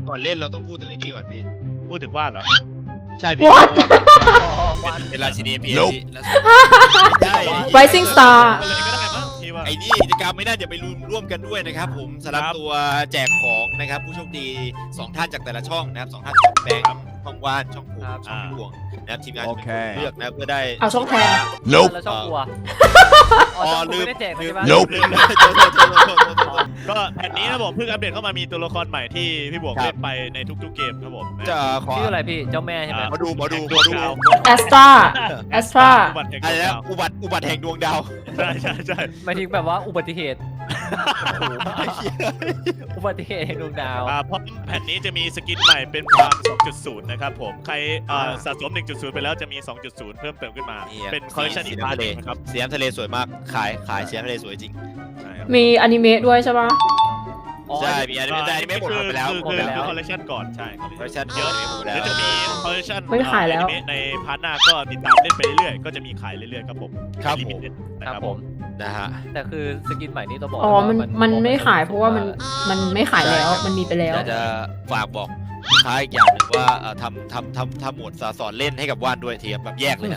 ก่อนเล่นเราต้องพูดถึงไอ้นี่ก่อนพี่พูดถึงว่านเหรอใช่พี่ What เป็นราชินีพีเอสใช่ Rising Star เลยก็ได้มั้งพี่ว่าไอ้นี่กิจกรรมไม่น่าจะไปร่วมกันด้วยนะครับผมสำหรับตัวแจกของนะครับผู้โชคดี2ท่านจากแต่ละช่องนะครับ2ท่านแบงค์ช่องว่านช่องผมช่องพี่ดวงนะครับทีมงานจะเป็นคนเลือกนะเพื่อได้เอาช่องแทน Nope แล้วช่องกลัวอ๋อลืลืมมไม่ได้แจกใช่ไหม Nope ก็แผ่นนี้นะผมเพิ่งอัปเดตเข้ามามีตัวละครใหม่ที่พี่บวกเล่นไปในทุกๆเกมครับผมจะขอชื่ออะไรพี่เจ้าแม่ใช่ไหมมาดู Astra Astra อะไรนะอุบัติแห่งดวงดาวใช่ใช่ใช่หมายถึงแบบว่าอุบัติเหตุอุบัติเหตุแห่งดวงดาวเพราะแผ่นนี้จะมีสกินใหม่เป็นพราม 2.0 นะครับผมใครสะสม 1.0 ไปแล้วจะมี 2.0 เพิ่มเติมขึ้นมาเป็นคอลเลคชันอีกพาร์ทนึงครับสีน้ำทะเลสวยมากขายสีน้ำทะเลสวยจริงใช่ครับมีอนิเมะด้วยใช่ปะใช่มีอันนี้แต่อันนี้ไม่หมดไปแล้วคือคอลเลคชันก่อนใช่คอลเลเพราะคฉัชันนเยเยอะอะหมดแล้วเดี๋ยวจะมีคอลเลคชันไม่ขายแล้วในพาร์ทหน้าก็ติดตามเล่นไปเรื่อยๆก็จะมีขายเรื่อยๆครับผมครับผม Limited นะคครัรับบ ผมนะฮะแต่คือสกินใหม่นี้ต้องบอกอ๋อว่ามันไม่ขายเพราะว่ามันไม่ขายแล้วมันมีไปแล้วอยากจะฝากบอกลูกค้าอีกอย่างหนึ่งว่าทำหมวดสอนเล่นให้กับว่านด้วยทีแบบแยกเลยนะ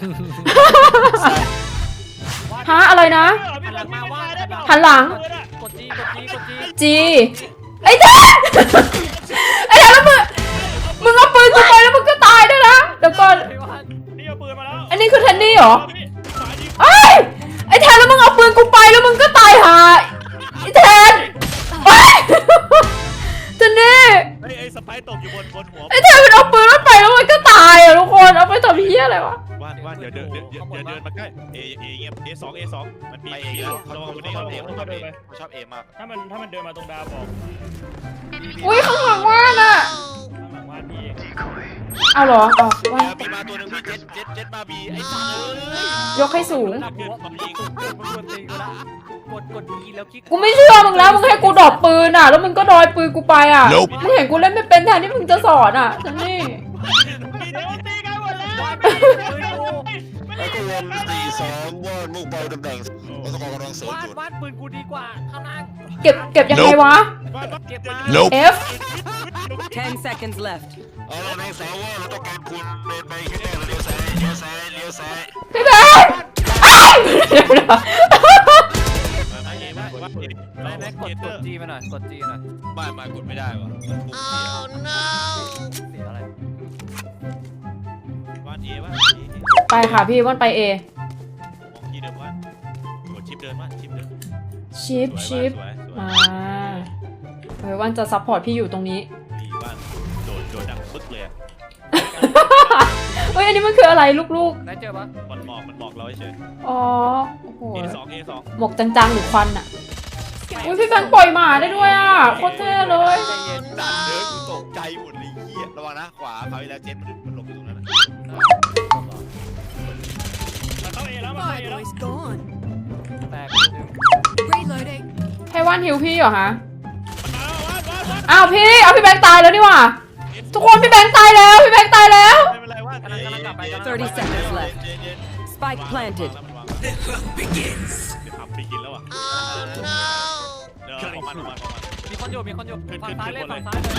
ฮะอะไรนะหันหลังมาว่าหันหลังกดจีจีไอ้แทนไอ้แทนแล้วมึงเอาปืนกูไปแล้วมึงก็ตายด้วยนะเดี๋ยวก่อนนี่เอาปืนมาแล้วอันนี้คือแทนนี่เหรอไอ้ยไอ้แทนแล้วมึงเอาปืนกูไปแล้วมึงก็ตายหาไอ้แทนไอ้ยแทนนี่ไอ้สไปร์ตกอยู่บนหัวไอ้แทนมันเอาปืนมันไปแล้วมันก็ตายอ่ะทุกคนเอาไปทำเหี้ยอะไรวะว่านเดี๋ยวเดินมาใกล้เเงียบA2 มันมีไปเองแล้วระวังคนนี้เขาเขาชเออบงเองเขาชอบเองมากถ้ามันเดินมาตรงดาวบอกอุ้ยข้างหลังว่านอ่ะข้างหลังว่าพี่เอาเหรอเอาว่านมีมาตัวหนึงพี่เจ็ดมาบีไอ้สัตว์เอ้ยยกให้สูงระดับหัวมันยิงมันตีกูละกดดีแล้วคลิกกูไม่เชื่อมึงแล้วมึงให้กูดรอปปืนอ่ะแล้วมึงก็ดอยปืนกูไปอ่ะ Nope มึงเห็นกูเล่นไม่เป็นแทนที่มึงจะสอนอ่ะฉันนี่เดี๋ยวตีกันหมดแล้วแล้วก็วน4-2ว่านมุ่งเป้าตำแหน่งวัตกรกำลังเสริมจุดวาดปืนกูดีกว่าข้างล่างเก็บยังไงวะเก็บมา Nope F 10 seconds left. เอาละนายสาวว่าเราต้องการคุณเดินไปแค่เลี้ยวซ้ายเลี้ยวซ้ายเลี้ยวซ้ายพี่แบงค์อ้าวเดี๋ยวนะไม่กดจีมาหน่อยกดจีหน่อยมากดไม่ได้วะเสียอะไรว่านว่านไปค่ะพี่ว่านไป A มองที่เดิมว่านกดชิปเดินว่านชิปเดินชิปสวยมาว่านจะซัพพอร์ตพี่อยู่ตรงนี้ดีว่านโดนดังปึ๊กเลยเฮ้ยอันนี้มันคืออะไรลูกได้เจอปะมันบอกเราเฉยๆ อ๋อโอ้โห A2 หมกจังๆหรือควันอ่ะอุ้ยพี่แบงค์ปล่อยหมาได้ด้วยอ่ะโคตรเท่เลยใจเย็นดันเดินกูตกใจหมดเลยเหี้ยระวังนะขวาเขาอีกแล้วเจ็ดมันหลบอยู่ตรงนั้นนะมาเข้าเอแล้วมาเข้าเอแล้ว Boy's gone. แตก Reloading. ให้ว่านฮิวพี่เหรอฮะอ้าวพี่เอาพี่แบงค์ตายแล้วนี่หว่าทุกคนพี่แบงค์ตายแล้วพี่แบงค์ตายแล้วไม่เป็นไรว่านกลับไป 30 seconds left. Spike planted. ทำปีกินแล้วอ่ะเดี๋ยวของมันมีคนอยู่ฝั่งซ้ายเลยฝั่งซ้ายเลย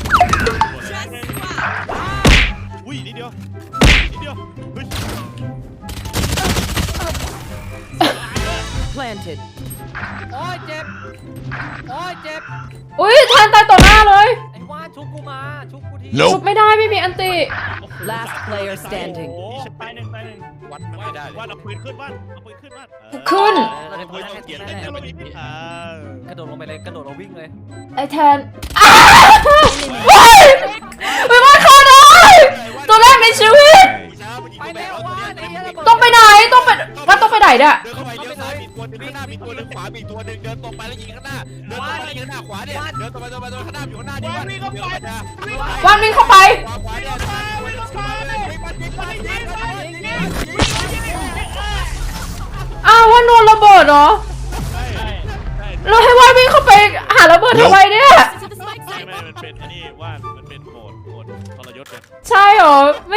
อุ้ยนิดเดียวเฮ้ย Planted. โอ้ยเจ็บอุ้ยแทนตายต่อหน้าเลยไอ้ว่านชุบกูมาชุบกูทีชุบไม่ได้ไม่มีอันติ Last player standing. โอ้ตายหนึ่งวัดมันไม่ได้เลยว่านเอาปืนขึ้นว่านเอาปืนขึ้นว่านขึ้นเราจะพูดแค่เกียร์แน่ กระโดดลงไปเลยกระโดดลงวิ่งเลยไอแทนอ้าวเฮ้ยไม่ว่าเข้าได้ตัวแรกในชีวิตไปแล้วว่านไอ้เหี้ยระเบิดต้องไปไหนต้องไปว่าต้องไปไหนเนี่ยเดินเข้าไปเลี้ยวซ้ายมีตัวหนึงข้างหน้ามีตัวหนึงขวามีตัวหนึงเดินตรงไปแล้วยิงข้างหน้าเดินตรงไปแล้วยิงข้างหน้าขวาเนี่ยเดินตรงไปข้างหน้าอยู่ข้างหน้านี่วันเดินเข้าไปนะวันวิ่งเข้าไปขวาเนี่ยอ้าวว่าโดนระเบิดเหรอเราให้วันวิ่งเข้าไปหาระเบิดทำไมเนี่ยไม่มันเป็นอันนี้ว่านมันเป็นโหมดทรยศกันใช่เหรอไม่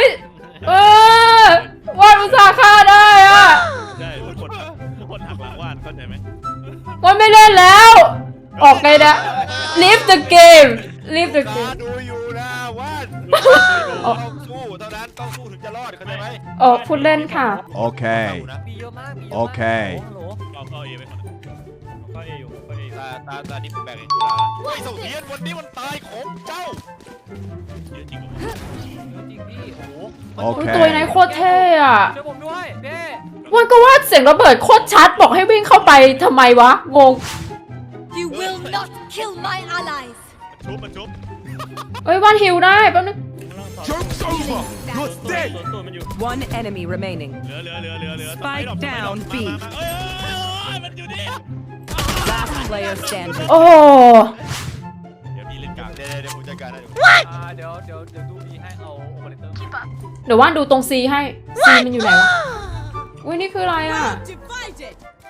วันอุตส่าห์ฆ่าได้อะใช่ทุกคนหักหลังว่านเข้าใจไหมวันไม่เล่นแล้ว ออกไงนะ leave the game leave the ตา game ดูอยู่นะว่านอ๋อต้องสู้เท่านั้นต้องสู้ถึงจะรอดเข้าใจไหมอ๋อพูดเล่นค่ะ Okay. มีเยอะมากมีเยอะมากโอเคฮัลโหลเข้าเอไปก่อนเข้าเออยู่เข้าเออยู่ตานี่ผมแบ่งให้ดูนะไอ้เสาเทียนวันนี้มันตายของเจ้าเยอะจริงเหรอเยอะจริงพี่โอ้โหโออุ๊ยเคตัวไหนโคตรเท่อะช่วยผมด้วยเด้วันก็ว่าเสียงระเบิดโคตรชัดบอกให้วิ่งเข้าไปทำไมวะ งง You will not kill my allies. มันชุบเอ้ยวันฮิวได้แป๊บนึง Joke's over. You're dead. ตัวมันอยู่ One enemy remaining. เหลือ Spike down, B. เอ้ยมันอยู่นี่ Last player standing. โอ้โหเดี๋ยวพี่เล่นกลางเดี๋ยวผมจัดการให้ดูเดี๋ยวดูบีให้เอาโอเปอเรเตอร์เดี๋ยวว่านดูตรง C ให้ C มันอยู่ไหนวะ อุ้ยนี่คืออะไรอ่ะ Divided.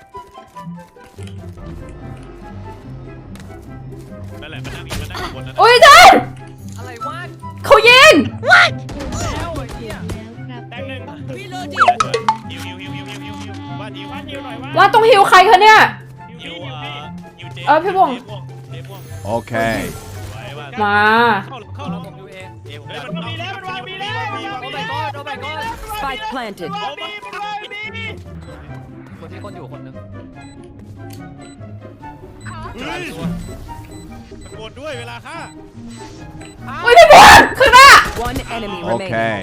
นั่นแหละมันนั่งบนนั้นอุ้ยเจนอะไรวะเขายิงแล้วไอ้เหี้ยแตงหนึ่ง Reloading. ฮิวว่าฮิวว่านยิวหน่อยว่าว่าต้องฮิวใครคะเนี่ยฮิวเจพี่วงเจม่วง Okay. ไว้ว่ามาเข้าแล้แล้ว วผมดูเองเอวเฮ้ยดัมัน นมีแล้วมันวางมีแล้วมันวางโอ้มี my แล้ว god โอ้ my god Spike planted. คนที่คนอยู่คนนึงเฮ้ยตะโกนด้วยเวลาฆ่าอุ้ยพี่บอลข้างหน้า One enemy remaining. Okay.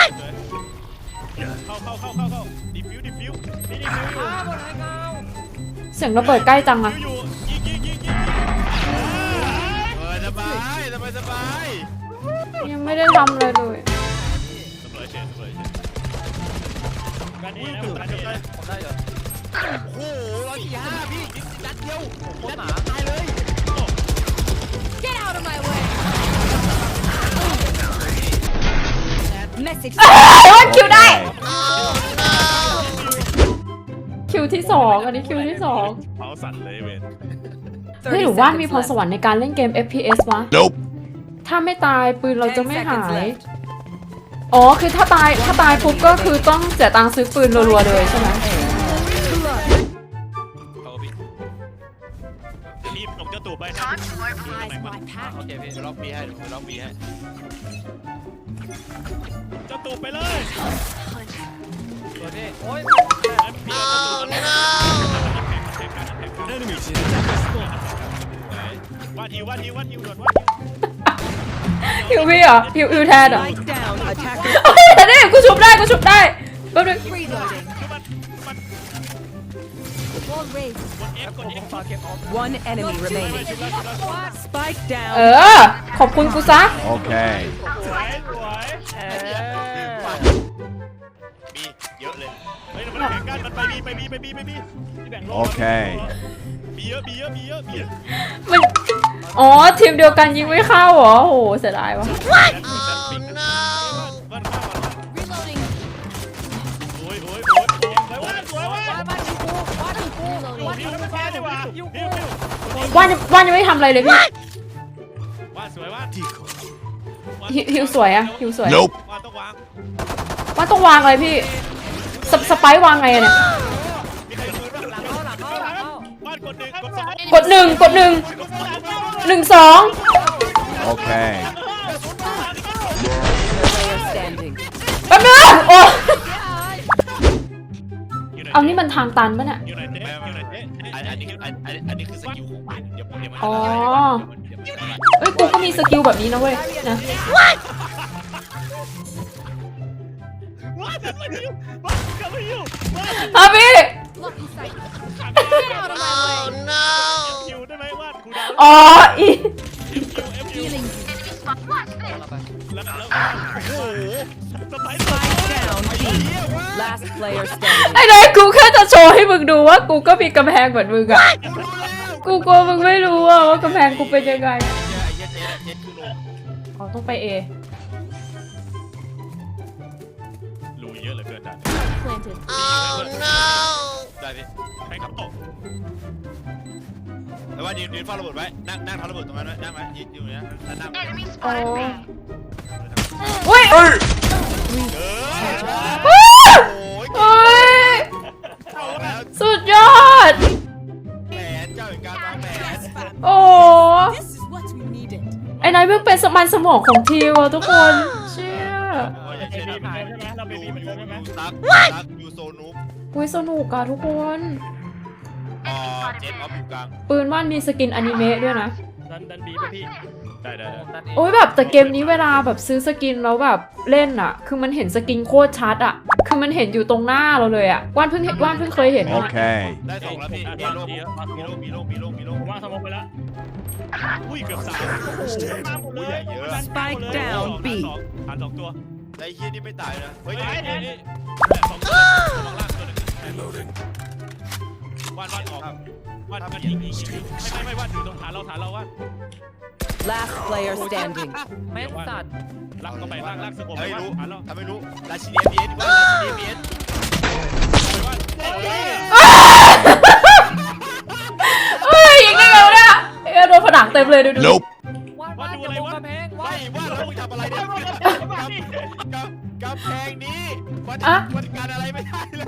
เข้าดิฟิวหมดเลยเงาเสียงระเบิดใกล้จังอะอยู่ยิงสบายสบายยังไม่ได้ทำเลยเลยสบายเฉยกันเอนะกันเอนะผมได้เหรอโอ้โห145พี่นัดเดียวโคตรหนาตายเลย Get out of my way. Message. ว่าคิวได้ คิวที่สองอันนี้คิวที่สองเผาสั่นเลยเวนเฮ้ยหรือว่ามีพรสวรรค์ในการเล่นเกม FPS วะ Nope. ถ้าไม่ตายปืนเราจะไม่ 10 หา seconds ย left. อ๋อ คือถ้าตายปุ๊บก็คือต้องเสียตังค์ซื้อปืนรัวๆเลยใช่ไหมเขาพี่รีบส่งเจ้าตู่ไปนะ Eyes my pack. โอเคพี่ล็อกบีให้ล็อกบีให้เจ้าตู่ไปเลยสวยพี่โอ้ยว่าฮิวด่วนว่าฮิวพี่เหรอฮิวแทนเหรอ Spike down. Attacker. แต่นี่กูชุบได้แป๊บนึง Reloading. มัน Wall raised. กด F ฝากเก็บออฟ One enemy remaining. Spike เอ down. อ ขอบคุณกูซะ Okay. สวยเออมีเยอะเลยเฮ้ยมันแข่งกันมันไปบีที่แบ่งโล Okay. บีเยอะมัน อ๋อ ทีมเดียวกันยิงไม่เข้าเหรอ โอ้โห เสียดายวะมันข้าว Reloading. โอ้ยสวยว่าสวยว่าบ้านกูบ้านกูฮิวไม่แพ้ดีกว่าฮิวว่านยังไม่ทำอะไรเลยพี่ว่าสวยว่าฮิวสวยอะฮิวสวย Nope. ว่าต้องวางว่านต้องวางอะไรพี่ สไปร์วางไงอะเนี่ยมีใครปืนบ้างหลังเข้าบ้านกดหนึ่งกดสองกดหนึ่ง1 2 Okay. Player standing. แป๊บนึงโอ้อยู่ไหนเอานี่มันทางตันปะเนี่ยอยู่ไหนเจ๊อันนี้คือสกิลของมันเดี๋ยวมันอ๋อ เอ้ย กูก็มีสกิลแบบนี้นะเว้ย นะว่าจะมาฮิวว่าจะมาฮิวว่าอ่ะพี่ Lucky sight. Get out of my way. ฮิวได้ไหมว่าคูดาวอ๋อ อีฮิว Healing. แล้วโอ้โหสไปซ์ Spike down. B. Last player standing. ไอ้เลยกูแค่จะโชว์ให้มึงดูว่ากูก็มีกำแพงเหมือนมึงอะกูกลัวมึงไม่รู้อะว่ากำแพงกูเป็นยังไงไอ้เจ๊คือลงอ๋อ ต้องไป A รูเยอะเหลือเกินด่าน Planted. ได้พี่ใครครับตกแต่ว่ายืนเฝ้าระเบิดไว้นั่งทำระเบิดตรงนั้นไว้นั่งไว้ยืนอยู่นะแล้วนั่งอ๋ออุ้ยโอ้ยเฮ้ยเอาแล้วสุดยอดแผนเจ้าแห่งการวางแผนโอ้ This is what we needed. ไอ้นายไม่สมันสมองของทีว่ะทุกคนเชี่ยอย่างเช่นใช่ไหมเราเป็นยูเหมือนกันใช่ไหมซักยูโซนุปอุ้ยสนุกอะทุกคนเจนออฟอยู่กลางปืนว่านมีสกินอนิเมะด้วยนะดันบีป่ะพี่ได้โอ้ยแบบแต่เกมนี้เวลาแบบซื้อสกินแล้วแบบเล่นอะคือมันเห็นสกินโคตรชัดอะคือมันเห็นอยู่ตรงหน้าเราเลยอะว่านเพิ่งเคยเห็นอะ Okay. ได้2แล้วพี่มีโลผมว่าสมองไปแล้วอุ้ยเกือบ3 มาหมดเลยเยอะ Spike down B. ฐาน2ตัวไอ้เฮียนี่ไม่ตายนะเฮ้ยนี่2ตัวลงล่างตัวนึงวาดออกวาดยิงไม่วาดอยู่ตรงฐานเราวาด Last player standing. แม่งสัตว์ลักเข้าไปลากสงบไม่วาดรู้ฐานเราถ้าไม่รู้ราชินีเบียนว่าราชินีเบียนเฮ้ยยิงได้ไงวะเนี่ยโดนผนังเต็มเลยดู Nope. วาดอย่ามองกำแพงวาไม่ดว่าเราทำอะไรเนี่ยกับแพงนี้วันการอะไรไม่ได้เลย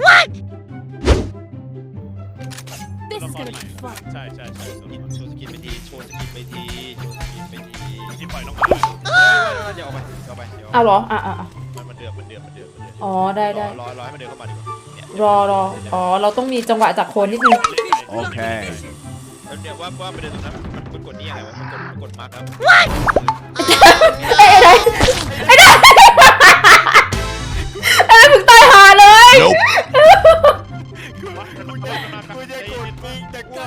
This is gonna be fun. ใช่โชว์สกินไปทีโชว์สกินไปทีที่ปล่อยลงมาเดี๋ยวเอาไปเอาเหรอมันเดือดอ๋อได้รอให้มันเดินเข้ามาดีกว่ารออ๋อเราต้องมีจังหวะจากโคนนิดนึง Okay. แล้วเนี่ยว่าประเด็นตรงนั้นมันกดนี่อะไรวะมันกดมาร์กครับไอ้ไหนมึงตายหาเลย Nope. กูจะกดมึงแต่กู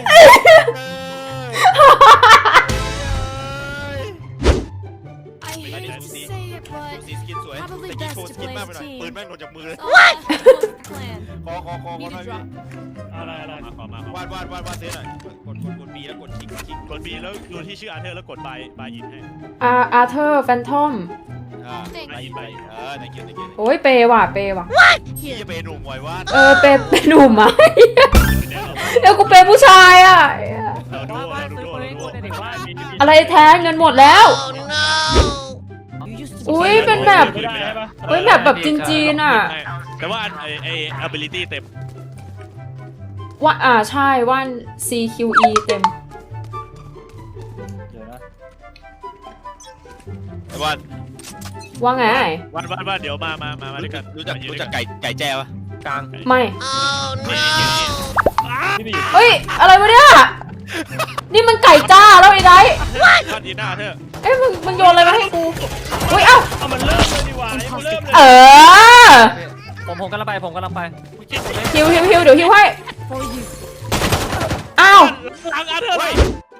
I hate to say it, but สีสกินสวยแต่กินโชว์สกินมากไปหน่อยปืนแม่งโดนจากมือเลย what? Clan. คอหน่อยอะไรขอมาวาดเซนหน่อยกดบีแล้วกดคลิกกด B แล้วดูที่ชื่ออาร์เธอร์แล้วกดบายอินให้อาร์เธอร์แฟนทอมไปthank you โอ้ยเปว่ะที่จะเป็นหนุ่มไว้วาดเปหนุ่มอ่ะเดี๋ยวกูเปผู้ชายอ่ะวาดซื้อปืนกูในเด็กวาดอะไรแท้เงินหมดแล้ว อุ้ยเป็นแบบ เฮ้ยแบบจีนๆอ่ะแต่ว่าไอ้ ability เต็มว่าใช่ว่าน CQE เต็มไอ้วาดว่าไงว่าเดี๋ยวมาด้วยกันรู้จักไก่แจ้ปะกลางไม่ที่ไปอยู่เฮ้ย อะไรวะเนี่ย นี่มันไก่จ้าแล้วไอ้ไดวาดยีหน้าเธอเอ้ยมึงโยนอะไรมาให้กูอุ้ยเอ้าเอามันเริ่มเลยดีกว่ามันเริ่มเลยเออผมกำลังไปฮิวเดี๋ยวฮิวให้อ้าวหลังอาร์เธอร์เลย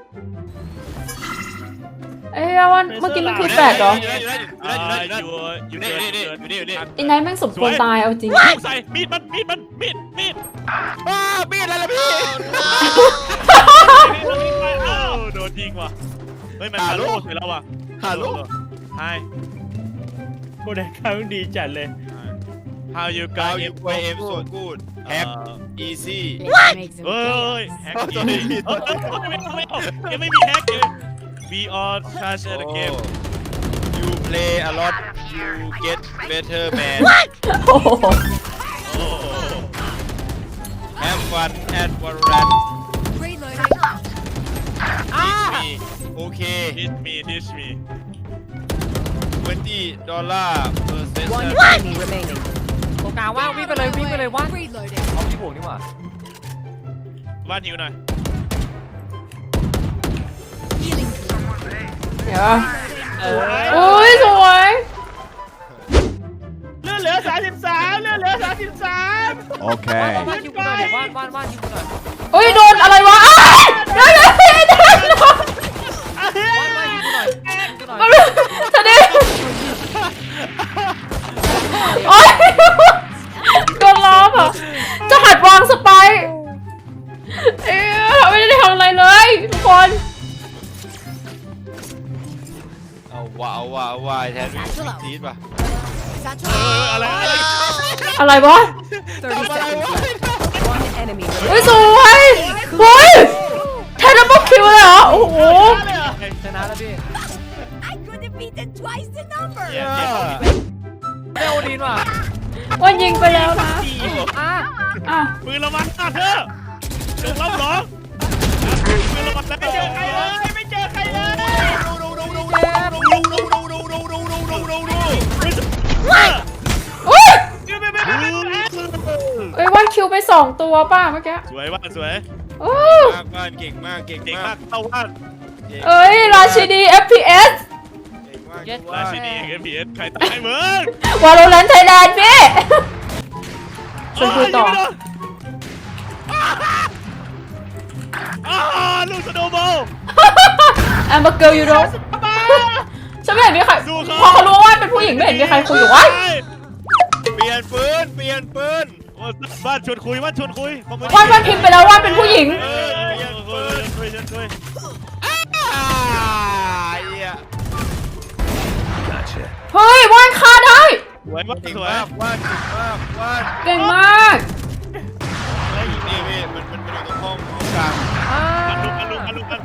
เอ้ยวันเมื่อกี้มันคือแฟดเหรออยู่นี่ไอ้ไนท์แม่งสมควรตายเอาจริงใส่มีดมีดอะไรล่ะพี่โดนยิงว่ะเฮ้ยมันฮาโลใส่แล้วว่ะฮัลโหลไฮโคเดคาดีจัดเลย How you กา guys วยูเอฟโซกูดแฮกอีซี่เฮ้ยแฮกยังไม่มีแฮกเลย We all trash at the game You play a lot you get better man โอ้โห Have fun at Valorant Reloading. Teach me Okay Teach me $20 per session One enemy remaining. ตรงกลางว่างวิ่งไปเลยว่าง Reloading. เอาที่บวกนี่หว่าบ้านหิวหน่อย Healing. เดี๋ยวอุ้ยสวยเลือดเหลือ33เลือดเหลือ33 Okay. วาดยิงกูหน่อยว่านยิงกูหน่อยอุ้ยโดนอะไรวะอ้าวเดี๋ยวว่านยิงกูหน่อยยิงกูหน่อยทะเลโอ๊ยโดนล้อมอ่ะจะหัดวางสไปร์ไม่ได้ทำอะไรเลยทุกคนเอาว่าแทนทีสป่ะ Satchel. อะไรวะ 30 seconds left. One enemy เฮ้ย remaining. สวยเฮ้ยแทนดับเบิลคิวเลยเหรอโอ้โหชนะแล้วพี่ I could have beaten twice the number. ได้โอดีนว่ะวันยิงไปแล้วนะอ่ะปืนระวังเธอจงรับหรอปืนระวังแล้วไม่เจอใครเลยไม่เจอใครเลยดูไป2ตัวป้าเมื่อกี้สวยว่านสวยโอ้มากบ้านเก่งมากเก่งเก่งมามาก กเข้าว่านเอ้ยราชินี FPS เก่งมากราชินี FPS ใครตายมึง Valorant Thailand พี่ชวนคุยต่อลูกสโนว์บอล I'm a girl you know ฉันไม่เห็นมีใครพอเขารู้ว่าเป็นผู้หญิงไม่เห็นมีใครคุยอยู่วะเปลี่ยนปืนเปลี่ยนปืนบ้านชวนคุยบ้านชวนคุยวันพิมพ์ไปแล้วว่าเป็นผู้หญิงเปลี่ยนปืนคุยชวนคุยเหี้ยเฮ้ยว่านฆ่าได้สวยมากเก่งสวยมากว่านเก่งมากว่านเก่งมากนี่พี่มันอยู่ตรงห้องกลางมันลุกกัน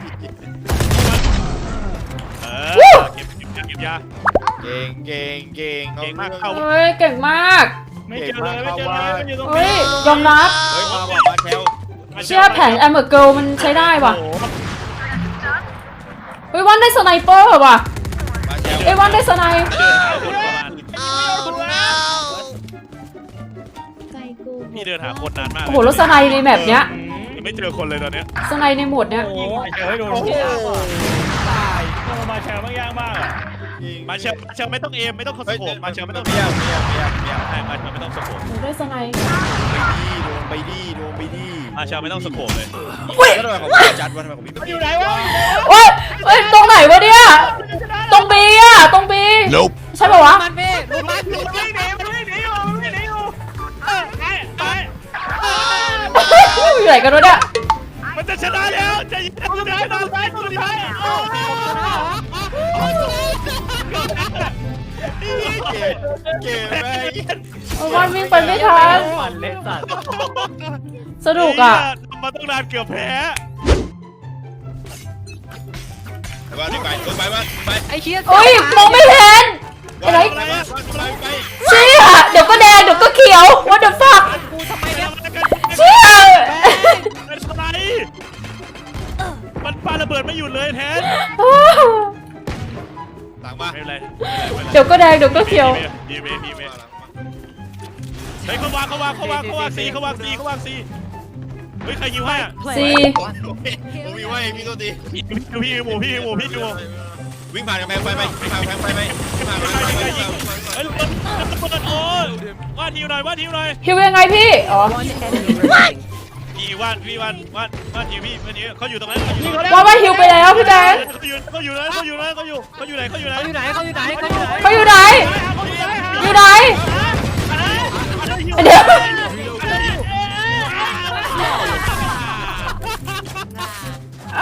เก็บยาเก่งเก่งเก่งเก่งมากเข้าเฮ้ยเก่งมากไม่เจอเลยไม่เจอเลยมันอยู่ตรงเฮ้นี้ยยอมรับเฮ้ยมาบอกมาแถวเชื่อแผน I'm a girl มันใช้ได้ว่ะเฮ้ยวันได้สไนเปอร์ว่ะมาแถวเอ้ยวันได้สไนเดินหาคนประมาณพี่เดินหาคนนานมากโอ้โหแล้วสไนในแมปเนี้ยไม่เจอคนเลยตอนเนี้ยสไนในโหมดเนี้ยโอ้ยเจอให้โดนตายมาแชร์บางอย่างมากอ่ะมาเชลไม่ต้องเอมไม่ต้องคอนโทรลมาเชลไม่ต้องเบี้ยใช่มาเชลไม่ต้องสโคปโอ้ได้สไนไปดีมาเชลไม่ต้องสโคปเลยก็ทำไมของพี่จัดวะทำไมของพี่มันอยู่ไหนวะโอ้ยเอ้ยตรงไหนวะเนี่ยตรงบีอะตรงบี Nope ใช่ป่าวะมันพี่รู้มันมันวิ่งหนีอยู่ไปอยู่ไหนกันวะเนี่ยมันจะชนะแล้วจะยิงจะชนะเก่งแม่โอ้ยวันวิ่งไปไม่ทันมันเล็กสัตว์สนุกอ่ะมาต้องนานเกือบแพ้ไปไปไอ้เชี่ยโอ้ยมองไม่เห็นอะไรไปเชี่ยเดี๋ยวก็แดงเดี๋ยวก็เขียว what the fuck กูทำไมเนี่ยเชี่ยเป็นอะไรมันปาระเบิดไม่หยุดเลยแทนต่างมาไม่เป็นไรเดี๋ยวก็แดงเดี๋ยวก็เขียวพีเมเฮ้ยเขาวางซีเฮ้ยใครยิงให้อ่ะซีผมมีว่าพี่ตัวดีพี่หมูวิ่งผ่านกำแพงไฟไหมวิ่งผ่านกำแพงไฟไหมวิ่งผ่านกำแพงไฟไหมเฮ้ยมันโอ้ยว่าทิวหน่อยฮิวยังไงพี่อ๋อ One enemy remaining. พี่ว่าทิวพี่เขาอยู่ตรงนั้นว่าฮิวไปแล้วพี่แดงเขาอยู่ไหนอยู่ไหน อยู่ไหนอยู่ไหนเดี๋ยว เอา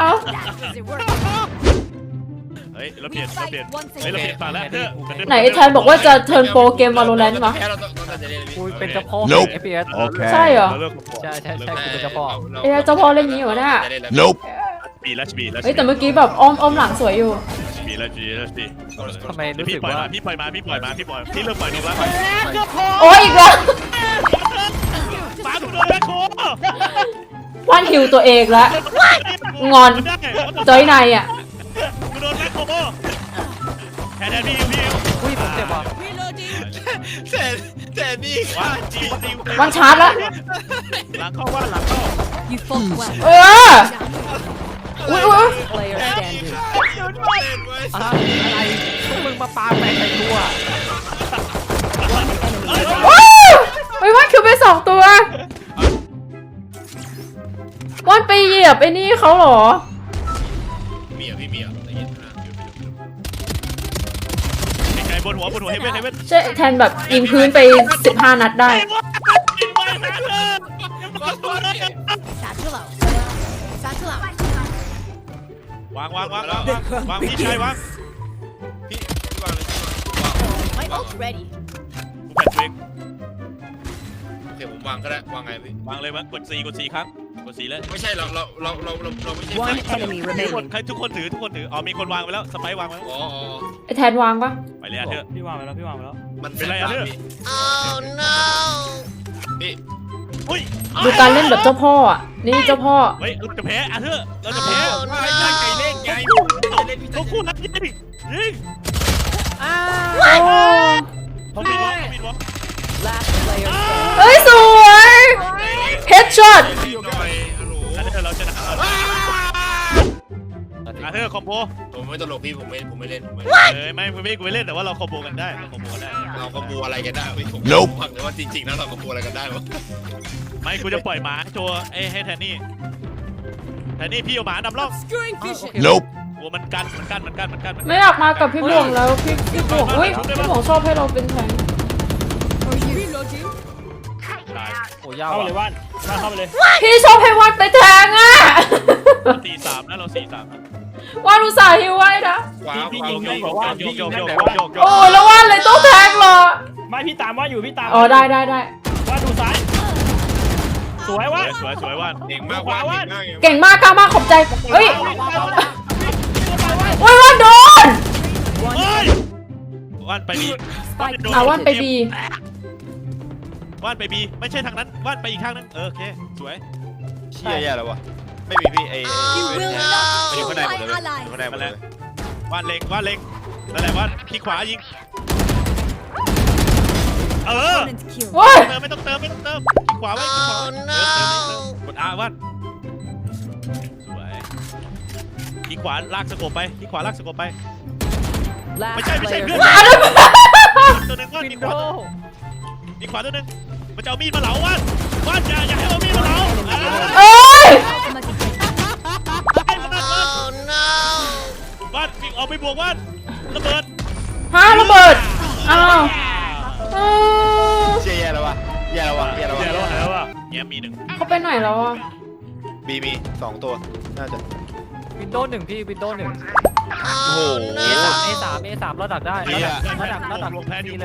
เฮ้ยเราเปลี่ยนฝั่งแล้วเถอะไหนแทนบอกว่าจะเทิร์นโปรเกม Valorant มากูเป็นเจ้าพ่อ Nope FPS ใช่เหรอใช่กูเป็นเจ้าพ่อเอ้ยเจ้าพ่อเล่นงี้เหรอเนี่ย Nope บีเฮ้ยแต่เมื่อกี้แบบอ้อมหลังสวยอยู่ทำไมรู้สึกว่าพี่ปล่อยมาพี่เริ่มปล่อยนกแล้วโอ้ยอีกแล้วปากูโดนแบ็คโควันฮิวตัวเองแล้ว งอน จอยในอ่ะกูโดนแบ็คโคแทนพี่อุ้ยผมเจ็บว่ะแต่นี่ว่าจีวันชาร์จแล้วหลังเข้าว่าหลังเข้า You fought well. เอออุ้ย Player standing. อะไรพวกมึงมาปาแฟนใส่ตัวว้าวเฮ้ยวันคิวไป2 ตัววันไปเหยียบไอ้นี่เขาเหรอพี่เมียไกลบนหัวเฮเว่นใช่แทนแบบยิงพื้นไป15 นัดได้ Satchel out. Satchel out. วางพี่ชายวางพี่วางเลย My ult ready. แผ่นเวงโอเคผมวางก็ได้วางไงพี่วางเลยมั้งกด4ครั้งกด4เลยไม่ใช่เราไม่ใช่ One enemy ใคร remaining. ทุกคนถืออ๋อมีคนวางไปแล้วสไปวางไปแล้วอ๋อไอ้แทนวางปะไปเลยเถอะพี่วางไปแล้วมันเป็นไรอะเธอ Oh no. พี่อุ้ยดูการเล่นแบบเจ้าพ่ออ่ะ นี่เจ้าพ่อเฮ้ยเราจะแพ้อะเธอเราจะแพ้ไม่ได้ไก่เล่นไงเล่นพี่เขาคู่นัดยิงโอ้เขาบินวะ Last player standing. เฮ้ย สวยเฮ้ย headshot อาเธอร์เราชนะอาเธอร์คอมโบผมไม่ตลกพี่ผมไม่เล่นผมไม่ไม่กูไม่เล่นแต่ว่าเราคอมโบกันได้เราคอมโบกันได้เราก็บูอะไรกันได้พี่ผมฟังเลยว่าจริงๆแล้วเราก็บูอะไรกันได้วะไม่กูจะปล่อยหมาโชว์ให้แทนนี่พี่เอาหมานำร่อง Obscuring vision. Nope. โอ้มันกันไม่อยากมากับพี่บวงแล้วพี่บวงอุ้ยพี่บวงชอบให้เราเป็นแทง Reloading. ตายโอ้ยาวเข้าไปอ่ะเลยว่านเข้าไปเลยพี่ชอบให้วาดไปแทงอ่ะ 4-3นะเรา4-3นะวาดอุตส่าห์ฮิวไว้นะพี่ยิงยกบอกว่าพี่ยิงนั่นแต่โอ้แล้ววาดเลยต้องแทงเหรอไม่พี่ตามว่าอยู่พี่ตามอ๋อได้ว่าดูซ้ายสวยว่าสวยว่านเก่งมากว่าเก่งมากก้าวมากขอบใจเฮ้ยโอ้ยวาดโดนว่านไปบีวาดไปบีว่านไปบีไม่ใช่ทางนั้นว่านไปอีกข้างนึงโอเคสวยเชี่ยแย่แล้ววะไม่มีพี่ไอ้ You will มันอยู่ not ข้าง kill ในหมด my เลย allies. ข้างในหมดเลยว่านเล็งนั่นแหละว่านที่ขวายิง Opponent kill. โอ้ยไม่ต้องเติมที่ขวาไว้ที่ขวากด R ว่านสวยที่ขวาลากสกบไปที่ขวาลากสกบไป Last ไม่ใช่ player เพื่อน standing. ตัวหนึ่งว่านวิที่นขโดวาที่ขวาตัวหนึ่งมันจะเอามีดมาเหลาว่านอย่าให้เอามีดมาเหลาเอ้ย Automatic kill. ให้มันนั่นว่านวิ่งออกไปบวกว่านระเบิดฮะระเบิดอ้าวอ้าวเชี่ยแย่แล้ววะแย่แล้ววะเดี๋ยวเราหายแล้วอ่ะเงี้ยมีหนึ่งเขาไปไหนแล้วอ่ะบีมี2ตัวน่าจะวินโดว์1พี่วินโดว์1 โอ้โห A3 เราดักได้เราดักลงแพนอยู่เลย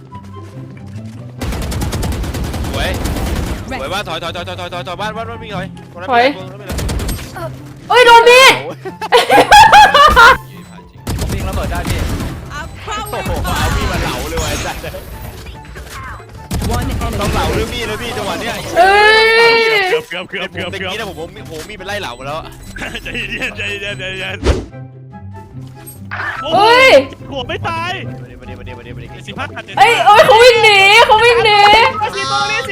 สวยว่าถอยบ้านมีถอยเอ้ยโดนมีดวิ่งระเบิดได้พี่ Our power เอามีดมาเหลาเลยไอ้สัส One ต้อง enemy. เหลาด้วยมีดเลยพี่จังหวะเนี้ยเอ้ยเกือบตะกี้นะผมมีดเป็นไล่เหลามาแล้วใจเย็นเอ้ยหัวไม่ตายมาดิ 15 เอ้ยเขาวิ่งหนีสีตัวนี้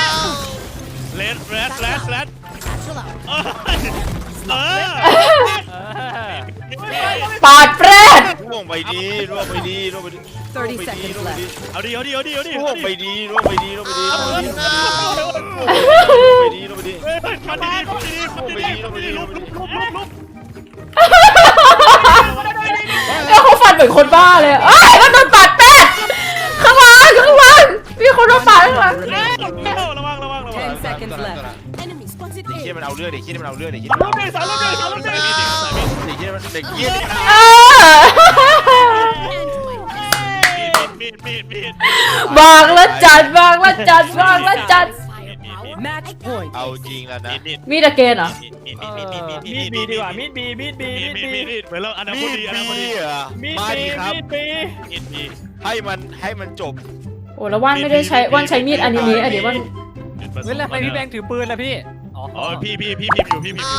แรด natural out. ปาดแปรดร่วงไปดี 30 seconds left. เอาดิร่วงไปดีมันดีลุกแล้วเขาฟันเหมือนคนบ้าเลยเอ้ยมันโดนปาดแปรดข้างหลังมีคนโดนปาดข้างหลังระวัง 10 seconds left. Enemy spotted เชี่ย A. มันเอาเลือดเด็กเชี่ยมันเอาเลือดเด็กเชี่ยลูกเด็กสามลูกเด็กเด็กเชี่ยเออมีดบางละจัด Match point. เอาจริงแล้วนะมีดอะเกนเหรอมีดบีดีกว่ามีดบีเหมือนเราอนาคตดีมาดีครับมีให้มันจบโอ้แล้วว่านไม่ได้ใช้ว่านใช้มีดอันนี้เดี๋ยวว่านเฮ้ยแล้วทำไมพี่แบงค์ถือปืนล่ะพี่อ๋อพี่พิมพ์อยู่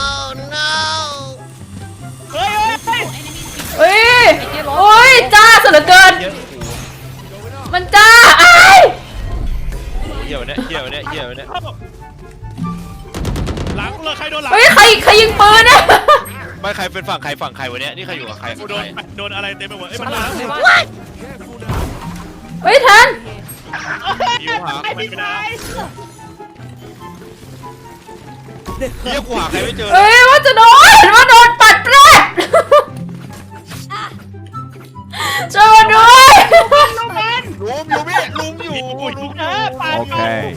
เอ้ยโอ้ยจ้าสุดเหลือเกิน มันจ้าไอ้เหี้ยวเนี่ยหลังเลยใครโดนหลังเฮ้ยใครยิงปืนอะไม่ใครเป็นฝั่งใครวันนี้นี่ใครอยู่กับใครโดนอะไรเต็มไปหมดมันหลังเฮ้ยแทนอยู่หาไม่ได้เฮียกูหาใครไม่เจอเฮ้ยว่าโดนปัดแปรดช่วยมาด้วยลุมอยู่โอเค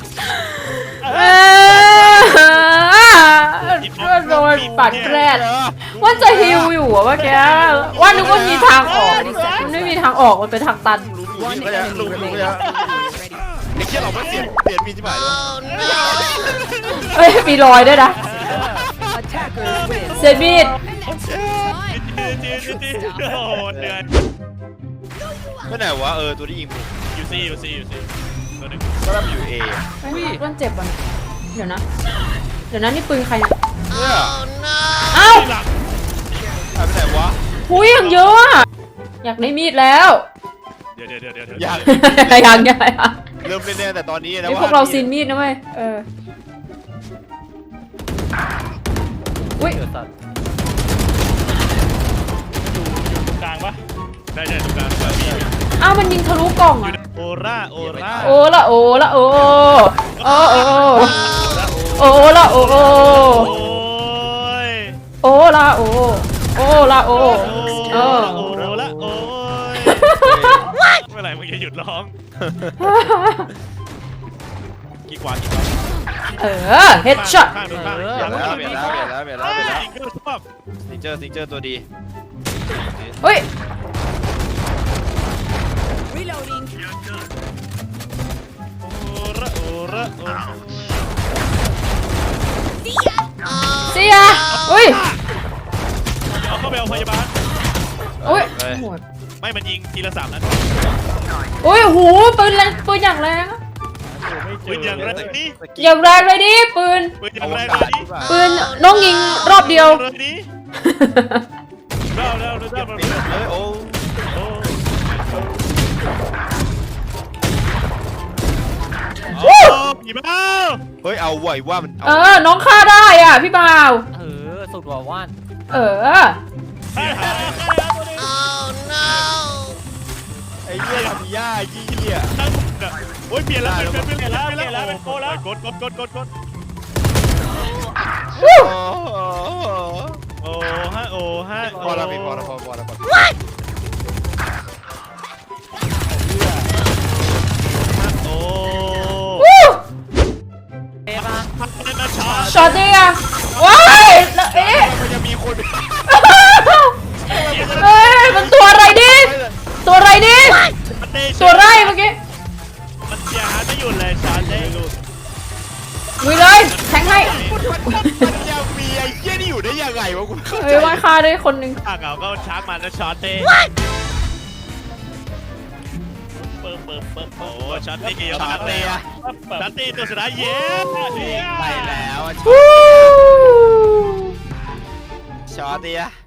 โดนปัดแปรดว่าจะฮิวอยู่อะเมื่อกี้ว่านึกว่ามีทางออกมันไม่มีทางออกมันเป็นทางตัน One enemy remaining. ไอ้เชี่ยเราไม่เปลี่ยนมีที่หมายเลยเฮ้ยมีรอยด้วยนะ Attackers win. เซมีดโอ้เหนื่อยไม่ไหนวะตัวที่ยิงยูซีตัวนึงก็รับอยู่เอต้นเจ็บอ่ะเดี๋ยวนะนี่ปืนใครเนี่ยเนี่ยเอ้าหลังหายไปไหนวะหุยอย่างเยอะอะอยากได้มีดแล้วเดี๋ยวอยากยังเริ่มเล่นแต่ตอนนี้นะไอพวกเราซีนมีดนะเว้ยอุ้ยเกิดสัตว์อยู่กลางปะได้ใช่ตรงกลางแบบนี้อ้าวมันยิงทะลุกล่องอ่ะโอร่าโอร่าโอ้ละโอ้ละโอ้โอ้โอ้โอ้ละโอ้โอ้โอ้ยโอ้ละโอ้โอ้ละโอ้โอ้ละโอ้ยเมื่อไหร่มึงจะหยุดร้องกี่กว่าเออเฮดช็อตข้างดูข้างเปลี่ยนแล้วจริงก็ชอบซิงเจอร์ตัวดีเฮ้ย Reloading. โอระโอระโอระเสียอุ้ยเอาเข้าไปเอาพยาบาลอุ้ยไม่มันยิงทีละ3 นัดอุ้ยหูปืนแรงปืนอย่างแรงอะปืนอย่างไรนี่อย่างแรงเลยดิปืนปืนอย่างไรนี่ปืนน้องยิงรอบเดียวนี่เร็วเร็วเร็วเร็วโอ้โอ้ผีบ้าเฮ้ยเอาไหวว่ามันเออน้องฆ่าได้อ่ะพี่บ่าวสุดว่าว่านเออไอ้เหี้ยทำย่ายี่เหี้ยโอ้ยเปลี่ยนแล้วเป็นโกแล้วกดโอ้ฮะโอ้ฮะพอแล้วพี่พอแล้วโอ้วู้เอ๊ะมาช็อตดิอ่ะว้ายแล้วเอ๊ะมันจะมีคนเอ้ยมันตัวอะไรดิตัวอะไรดิตัวไรเมื่อกี้มันเสียหายไม่หยุดเลยชาร์จได้หลุดลุยเลยแทงให้มันยังมีไอ้เหี้ยนี่อยู่ได้ยังไงวะกูเข้าใจเฮ้ยว่าฆ่าได้คนหนึ่งข้างเขาก็ชาร์จมันแล้วชาร์จได้โอ้ชาร์จได้กี่ชาร์จได้ชาร์จได้ตัวสุดท้ายเย้ไปแล้ววู้ช็อตเดีย